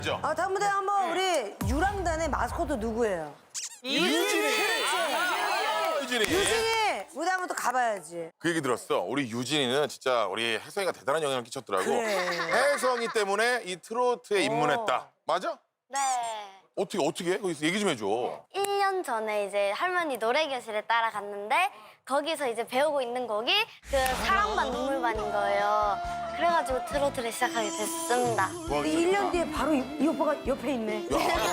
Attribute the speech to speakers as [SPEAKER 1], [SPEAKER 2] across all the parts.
[SPEAKER 1] 다음 무대 한번 우리 유랑단의 마스코트 누구예요?
[SPEAKER 2] 유진이.
[SPEAKER 1] 유진이 무대 한번 또 가봐야지.
[SPEAKER 2] 그 얘기 들었어. 우리 유진이는 진짜 우리 혜성이가 대단한 영향을 끼쳤더라고.
[SPEAKER 1] 그래.
[SPEAKER 2] 혜성이 때문에 이 트로트에 입문했다. 맞아?
[SPEAKER 3] 네.
[SPEAKER 2] 어떻게? 거기서 얘기 좀 해줘.
[SPEAKER 3] 1년 전에 이제 할머니 노래교실에 따라갔는데 거기서 이제 배우고 있는 곡이 그 사랑반 눈물반인 거예요. 그래가지고 트로트를 시작하게 됐습니다.
[SPEAKER 1] 근데 1년 뒤에 바로 이 오빠가 옆에 있네.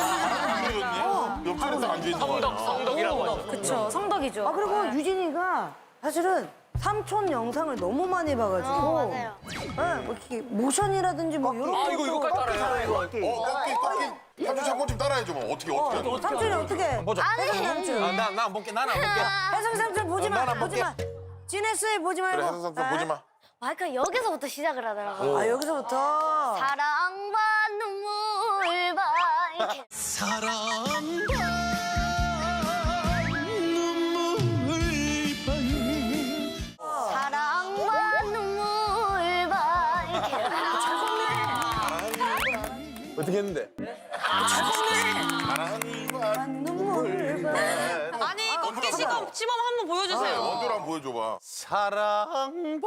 [SPEAKER 2] 옆자리에 딱 앉아있는 거 아니야.
[SPEAKER 4] 성덕이라고 하죠.
[SPEAKER 5] 그쵸, 성덕이죠.
[SPEAKER 1] 그리고 유진이가 사실은 삼촌 영상을 너무 많이 봐가지고.
[SPEAKER 3] 맞아요.
[SPEAKER 1] 네, 뭐 이렇게 모션이라든지 뭐 이런 거.
[SPEAKER 4] 이거까지 따라해요.
[SPEAKER 2] 꺾기. 삼촌 잠깐 좀 따라해줘. 뭐. 어떻게 하는 거야?
[SPEAKER 1] 삼촌이 어떻게?
[SPEAKER 4] 보자.
[SPEAKER 1] 혜성 삼촌.
[SPEAKER 4] 나안 볼게. 나는 안 볼게.
[SPEAKER 1] 혜성 삼촌 보지 마.
[SPEAKER 4] 난안
[SPEAKER 1] 보지 마. 지네스에 보지 말고.
[SPEAKER 2] 그래, 혜성 삼촌 보지 마.
[SPEAKER 3] 마이크가 여기서부터 시작을 하더라고요.
[SPEAKER 1] 아 여기서부터.
[SPEAKER 3] 사랑반 눈물반 이렇게. 사랑반 눈물반 이렇게.
[SPEAKER 4] 어떻게 했는데?
[SPEAKER 5] 아니, 꺾기 시범 한번 보여주세요.
[SPEAKER 2] 원조로 한번 보여줘봐.
[SPEAKER 4] 사랑반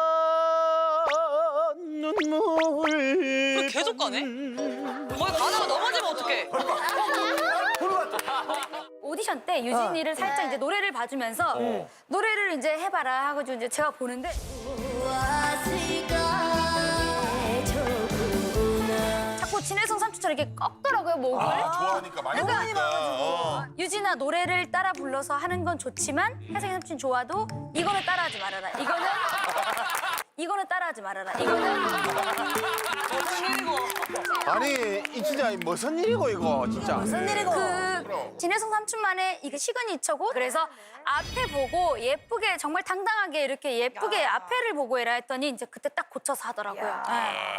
[SPEAKER 4] 눈물.
[SPEAKER 5] 계속 가네? 거기 가다가 넘어지면 어떡해?
[SPEAKER 6] 오디션 때 유진이를 살짝 이제 노래를 봐주면서 노래를 이제 해봐라 하고 이제 제가 보는데 자꾸 진혜성 삼촌처럼 이렇게 꺾더라고요 목을.
[SPEAKER 2] 좋아하니까 많이 보니까.
[SPEAKER 6] 유진아 노래를 따라 불러서 하는 건 좋지만 혜성이 삼촌 좋아도 이거는 따라하지 말아라. 이거는 따라하지 말아라.
[SPEAKER 4] 아니 이 진짜 무슨 일이고 이거 진짜.
[SPEAKER 1] 무슨 일이고.
[SPEAKER 6] 그 진혜성 삼촌만의 이게 시그니처고 그래서 앞에 보고 예쁘게 정말 당당하게 이렇게 예쁘게 앞에를 보고 해라 했더니 이제 그때 딱 고쳐서 하더라고요. 네.